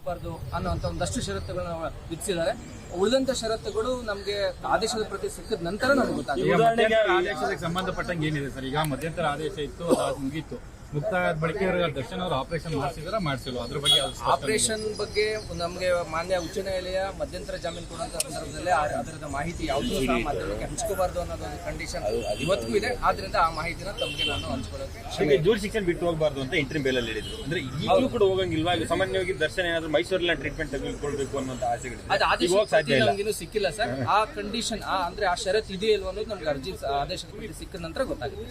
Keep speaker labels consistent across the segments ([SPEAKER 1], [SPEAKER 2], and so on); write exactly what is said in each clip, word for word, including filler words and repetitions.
[SPEAKER 1] ಬಾರ್ದು ಅನ್ನುವಂಥ ಒಂದಷ್ಟು ಷರತ್ತುಗಳನ್ನ ವಿಧಿಸಿದ್ದಾರೆ. ಉಳಿದಂತ ಷರತ್ತುಗಳು ನಮಗೆ ಆದೇಶದ ಪ್ರತಿ ಸಿಕ್ಕಿದ ನಂತರ ನಮ್ಗೆ ಗೊತ್ತಾಗುತ್ತೆ.
[SPEAKER 2] ಆದೇಶಕ್ಕೆ ಸಂಬಂಧಪಟ್ಟಂಗೆ ಏನಿದೆ ಸರ್? ಈಗ ಮಧ್ಯಂತರ ಆದೇಶ ಇತ್ತು, ಅದು ಮುಗೀತು, ಮುಕ್ತಾಯ ಬಳಿಕ ದರ್ಶನ್ ಅವರು ಆಪರೇಷನ್ ಮಾಡಿಸಿದ್ರೆ ಮಾಡಿಸಿಲ್ಲ, ಅದ್ರ ಬಗ್ಗೆ
[SPEAKER 1] ಆಪರೇಷನ್ ಬಗ್ಗೆ ನಮಗೆ ಮಾನ್ಯ ಉಚ್ಚ ನ್ಯಾಯಾಲಯ ಮಧ್ಯಂತರ ಜಾಮೀನು ಕೊಡುವಂತ ಸಂದರ್ಭದಲ್ಲಿ ಅದರದ ಮಾಹಿತಿ ಯಾವುದೂ ಸಹ ಮಾಧ್ಯಮಕ್ಕೆ ಹಂಚ್ಕೋಬಾರ್ದು ಅನ್ನೋದು ಒಂದು ಕಂಡೀಷನ್ ಇವತ್ತಿಗೂ ಇದೆ. ಆದ್ರಿಂದ ಆ ಮಾಹಿತಿನ ತಮಗೆ ನಾನು ಹಂಚ್ಕೊಳ್ಳೋಕೆ
[SPEAKER 3] ಜೂರ್ ಶಿಕ್ಷಣ ಬಿಟ್ಟು ಹೋಗಬಾರ್ದು ಅಂತ ಇಂಟ್ರಿಮ್ ಬೇಲ್ ಅಲ್ಲಿ ಹೇಳಿದ್ರು. ಅಂದ್ರೆ ಈಗಲೂ ಕೂಡ ಹೋಗಂಗಿಲ್ವಾ? ಸಾಮಾನ್ಯವಾಗಿ ದರ್ಶನ ಏನಾದ್ರು ಮೈಸೂರಲ್ಲಿ ಟ್ರೀಟ್ಮೆಂಟ್ ತೆಗೆದುಕೊಳ್ಬೇಕು ಅನ್ನೋಂಥ ಆಸೆಗಳಿದೆ.
[SPEAKER 1] ಅದು ಆದೇಶ ನಮಗಿನ್ನೂ ಸಿಕ್ಕಿಲ್ಲ ಸರ್. ಆ ಕಂಡೀಷನ್ ಆ ಅಂದ್ರೆ ಆ ಷರತ್ತು ಇದೆಯಾ ಇಲ್ವೋ ಅನ್ನೋದು ನಮ್ಗೆ ಅರ್ಜಿ ಆದೇಶದ ಪ್ರತಿ ಸಿಕ್ಕಿದ ನಂತರ ಗೊತ್ತಾಗುತ್ತೆ.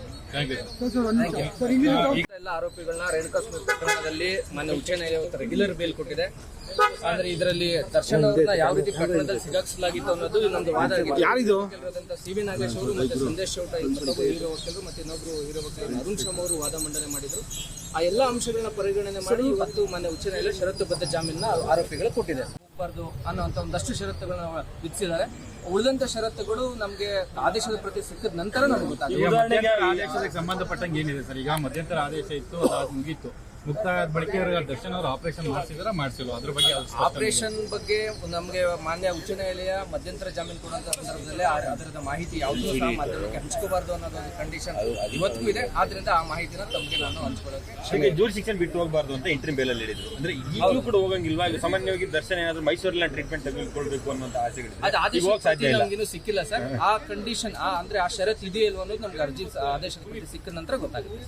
[SPEAKER 1] ಎಲ್ಲ ಆರೋಪಿಗಳನ್ನ ರೇಣುಕಾ ಸ್ವಾಮಿ ಪ್ರಕರಣದಲ್ಲಿ ಮಾನ್ಯ ಉಚ್ಚ ನ್ಯಾಯಾಲಯ ರೆಗ್ಯುಲರ್ ಬೇಲ್ ಕೊಟ್ಟಿದೆ. ಅಂದ್ರೆ ಇದರಲ್ಲಿ ದರ್ಶನ್ ಅವ್ರನ್ನ ಯಾವ ರೀತಿ ಪ್ರಕರಣದಲ್ಲಿ ಸಿಗಾಕ್ಸಲಾಗಿತ್ತು ಅನ್ನೋದು ಇನ್ನೊಂದು ವಾದ ಆಗಿದೆ. ಸಿ ವಿ ನಾಗೇಶ್ ಅವರು ಮತ್ತೆ ಸಂದೇಶ್ ಚೌಟ ಇನ್ನೊಬ್ಬರು ಹೀರೋ ವಕೀಲರು ಮತ್ತೆ ಇನ್ನೊಬ್ರು ಹೀರೋ ವಕೀಲರು ಅರುಣ್ ಶರ್ಮ ಅವರು ವಾದ ಮಂಡನೆ ಮಾಡಿದ್ರು. ಆ ಎಲ್ಲಾ ಅಂಶಗಳನ್ನ ಪರಿಗಣನೆ ಮಾಡಿ ಇವತ್ತು ಮಾನ್ಯ ಉಚ್ಚ ನ್ಯಾಯಾಲಯ ಷರತ್ತುಬದ್ಧ ಜಾಮೀನ ಆರೋಪಿಗಳು ಕೊಟ್ಟಿದೆ. ಬಾರ್ದು ಅನ್ನುವಂಥ ಒಂದಷ್ಟು ಷರತ್ತುಗಳನ್ನ ವಿಧಿಸಿದ್ದಾರೆ. ಉಳಿದಂತ ಷರತ್ತುಗಳು ನಮಗೆ ಆದೇಶದ ಪ್ರತಿ ಸಿಕ್ಕಿದ ನಂತರ ನಮ್ಗೆ ಗೊತ್ತಾಗುತ್ತೆ.
[SPEAKER 2] ಆದೇಶಕ್ಕೆ ಸಂಬಂಧಪಟ್ಟಂಗೆ ಏನಿದೆ ಸರ್? ಈಗ ಮಧ್ಯಂತರ ಆದೇಶ ಇತ್ತು, ಅದು ಮುಗೀತು, ಮುಕ್ತಾಯ ಬಳಿಕ ದರ್ಶನ್ ಅವರು ಆಪರೇಷನ್ ಮಾಡಿಸಿದ್ರೆ ಮಾಡಿಸಿಲ್ಲ, ಅದ್ರ ಬಗ್ಗೆ
[SPEAKER 1] ಆಪರೇಷನ್ ಬಗ್ಗೆ ನಮಗೆ ಮಾನ್ಯ ಉಚ್ಚ ನ್ಯಾಯಾಲಯ ಮಧ್ಯಂತರ ಜಾಮೀನು ಕೊಡುವಂತ ಸಂದರ್ಭದಲ್ಲಿ ಅದರದ ಮಾಹಿತಿ ಯಾವುದೂ ಸಹ ಮಾಧ್ಯಮಕ್ಕೆ ಹಂಚ್ಕೋಬಾರ್ದು ಅನ್ನೋದು ಒಂದು ಕಂಡೀಷನ್ ಇವತ್ತಿಗೂ ಇದೆ. ಆದ್ರಿಂದ ಆ ಮಾಹಿತಿನ ತಮಗೆ ನಾನು ಹಂಚ್ಕೊಳ್ಳೋಕೆ
[SPEAKER 3] ಜೂರ್ ಶಿಕ್ಷಣ ಬಿಟ್ಟು ಹೋಗಬಾರ್ದು ಅಂತ ಇಂಟ್ರಿಮ್ ಬೇಲ್ ಅಲ್ಲಿ ಹೇಳಿದ್ರು. ಅಂದ್ರೆ ಈಗಲೂ ಕೂಡ ಹೋಗಂಗಿಲ್ವಾ? ಸಾಮಾನ್ಯವಾಗಿ ದರ್ಶನ ಏನಾದ್ರು ಮೈಸೂರಲ್ಲಿ ಟ್ರೀಟ್ಮೆಂಟ್ ತೆಗೆದುಕೊಳ್ಬೇಕು ಅನ್ನೋಂಥ ಆಸೆಗಳಿದೆ.
[SPEAKER 1] ಅದು ಆದೇಶ ನಮಗಿನ್ನೂ ಸಿಕ್ಕಿಲ್ಲ ಸರ್. ಆ ಕಂಡೀಷನ್ ಆ ಅಂದ್ರೆ ಆ ಷರತ್ತು ಇದೆಯಾ ಇಲ್ವೋ ಅನ್ನೋದು ನಮ್ಗೆ ಅರ್ಜಿ ಆದೇಶದ ಪ್ರತಿ ಸಿಕ್ಕಿದ ನಂತರ ಗೊತ್ತಾಗುತ್ತೆ.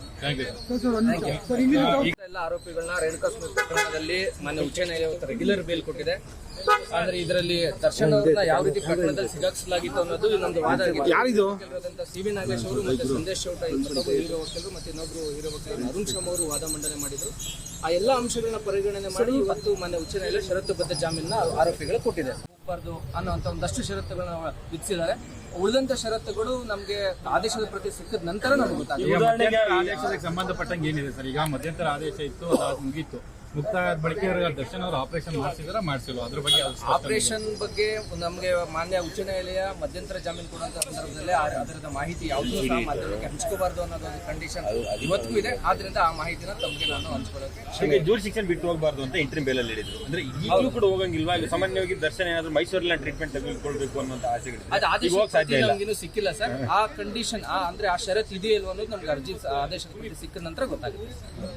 [SPEAKER 1] ಎಲ್ಲ ಆರೋಪಿಗಳನ್ನ ರೇಣುಕಾ ಸ್ವಾಮಿ ಪ್ರಕರಣದಲ್ಲಿ ಮಾನ್ಯ ಉಚ್ಚ ನ್ಯಾಯಾಲಯ ರೆಗ್ಯುಲರ್ ಬೇಲ್ ಕೊಟ್ಟಿದೆ. ಅಂದ್ರೆ ಇದರಲ್ಲಿ ದರ್ಶನ್ ಅವ್ರನ್ನ ಯಾವ ರೀತಿ ಪ್ರಕರಣದಲ್ಲಿ ಸಿಗಾಕ್ಸಲಾಗಿತ್ತು ಅನ್ನೋದು ಇನ್ನೊಂದು ವಾದ ಆಗಿದೆ. ಸಿ ವಿ ನಾಗೇಶ್ ಅವರು ಮತ್ತೆ ಸಂದೇಶ್ ಚೌಟ ಇನ್ನೊಬ್ಬರು ಹೀರೋ ವಕೀಲರು ಮತ್ತೆ ಇನ್ನೊಬ್ರು ಹೀರೋ ವಕೀಲರು ಅರುಣ್ ಶರ್ಮ ಅವರು ವಾದ ಮಂಡನೆ ಮಾಡಿದ್ರು. ಆ ಎಲ್ಲಾ ಅಂಶಗಳನ್ನ ಪರಿಗಣನೆ ಮಾಡಿ ಇವತ್ತು ಮಾನ್ಯ ಉಚ್ಚ ನ್ಯಾಯಾಲಯ ಷರತ್ತುಬದ್ಧ ಜಾಮೀನ ಆರೋಪಿಗಳು ಕೊಟ್ಟಿದೆ. ಬಾರ್ದು ಅನ್ನುವಂಥ ಒಂದಷ್ಟು ಷರತ್ತುಗಳನ್ನ ವಿಧಿಸಿದ್ದಾರೆ. ಉಳಿದಂತ ಷರತ್ತುಗಳು ನಮಗೆ ಆದೇಶದ ಪ್ರತಿ ಸಿಕ್ಕಿದ ನಂತರ ನಮ್ಗೆ ಗೊತ್ತಾಗುತ್ತೆ.
[SPEAKER 2] ಆದೇಶಕ್ಕೆ ಸಂಬಂಧಪಟ್ಟಂಗೆ ಏನಿದೆ ಸರ್? ಈಗ ಮಧ್ಯಂತರ ಆದೇಶ ಇತ್ತು, ಅದು ಮುಗೀತು, ಮುಕ್ತಾಯ ಬಳಿಕ ದರ್ಶನ್ ಅವರು ಆಪರೇಷನ್ ಮಾಡಿಸಿದ್ರೆ ಮಾಡಿಸಿಲ್ಲ, ಅದ್ರ ಬಗ್ಗೆ
[SPEAKER 1] ಆಪರೇಷನ್ ಬಗ್ಗೆ ನಮಗೆ ಮಾನ್ಯ ಉಚ್ಚ ನ್ಯಾಯಾಲಯ ಮಧ್ಯಂತರ ಜಾಮೀನು ಕೊಡುವಂತ ಸಂದರ್ಭದಲ್ಲಿ ಅದರದ ಮಾಹಿತಿ ಯಾವುದೂ ಸಹ ಮಾಧ್ಯಮಕ್ಕೆ ಹಂಚ್ಕೋಬಾರ್ದು ಅನ್ನೋದು ಒಂದು ಕಂಡೀಷನ್ ಇವತ್ತಿಗೂ ಇದೆ. ಆದ್ರಿಂದ ಆ ಮಾಹಿತಿನ ತಮಗೆ ನಾನು ಹಂಚ್ಕೊಳ್ಳೋಕೆ
[SPEAKER 3] ಜೂರ್ ಶಿಕ್ಷಣ ಬಿಟ್ಟು ಹೋಗಬಾರ್ದು ಅಂತ ಇಂಟ್ರಿಮ್ ಬೇಲ್ ಅಲ್ಲಿ ಹೇಳಿದ್ರು. ಅಂದ್ರೆ ಈಗಲೂ ಕೂಡ ಹೋಗಂಗಿಲ್ವಾ? ಸಾಮಾನ್ಯವಾಗಿ ದರ್ಶನ ಏನಾದ್ರು ಮೈಸೂರಲ್ಲಿ ಟ್ರೀಟ್ಮೆಂಟ್ ತೆಗೆದುಕೊಳ್ಬೇಕು ಅನ್ನೋಂಥ ಆಸೆಗಳಿದೆ.
[SPEAKER 1] ಅದು ಆದೇಶ ನಮಗಿನ್ನೂ ಸಿಕ್ಕಿಲ್ಲ ಸರ್. ಆ ಕಂಡೀಷನ್ ಆ ಅಂದ್ರೆ ಆ ಷರತ್ತು ಇದೆಯಾ ಇಲ್ವೋ ಅನ್ನೋದು ನಮ್ಗೆ ಅರ್ಜಿ ಆದೇಶದ ಪ್ರತಿ ಸಿಕ್ಕಿದ ನಂತರ ಗೊತ್ತಾಗುತ್ತೆ.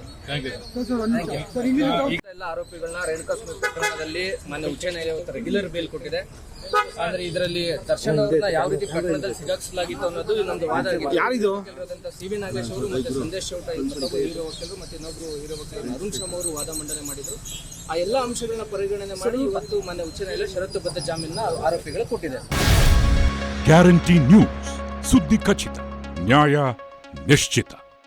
[SPEAKER 1] ಎಲ್ಲ ಆರೋಪಿಗಳನ್ನ ರೇಣುಕಾ ಸ್ವಾಮಿ ಪ್ರಕರಣದಲ್ಲಿ ಮಾನ್ಯ ಉಚ್ಚ ನ್ಯಾಯಾಲಯ ರೆಗ್ಯುಲರ್ ಬೇಲ್ ಕೊಟ್ಟಿದೆ. ಅಂದ್ರೆ ಇದರಲ್ಲಿ ದರ್ಶನ್ ಅವ್ರನ್ನ ಯಾವ ರೀತಿ ಪ್ರಕರಣದಲ್ಲಿ ಸಿಗಾಕ್ಸಲಾಗಿತ್ತು ಅನ್ನೋದು ಇನ್ನೊಂದು ವಾದ ಆಗಿದೆ. ಸಿ ವಿ ನಾಗೇಶ್ ಅವರು ಮತ್ತೆ ಸಂದೇಶ್ ಚೌಟ ಇನ್ನೊಬ್ಬರು ಹೀರೋ ವಕೀಲರು ಮತ್ತೆ ಇನ್ನೊಬ್ರು ಹೀರೋ ವಕೀಲರು ಅರುಣ್ ಶರ್ಮ ಅವರು ವಾದ ಮಂಡನೆ ಮಾಡಿದ್ರು. ಆ ಎಲ್ಲಾ ಅಂಶಗಳನ್ನ ಪರಿಗಣನೆ ಮಾಡಿ ಇವತ್ತು ಮಾನ್ಯ ಉಚ್ಚ ನ್ಯಾಯಾಲಯ ಷರತ್ತುಬದ್ಧ ಜಾಮೀನ ಆರೋಪಿಗಳು ಕೊಟ್ಟಿದೆ.
[SPEAKER 4] ಗ್ಯಾರಂಟಿ ನ್ಯೂಸ್, ಸುದ್ದಿ ಖಚಿತ, ನ್ಯಾಯ ನಿಶ್ಚಿತ.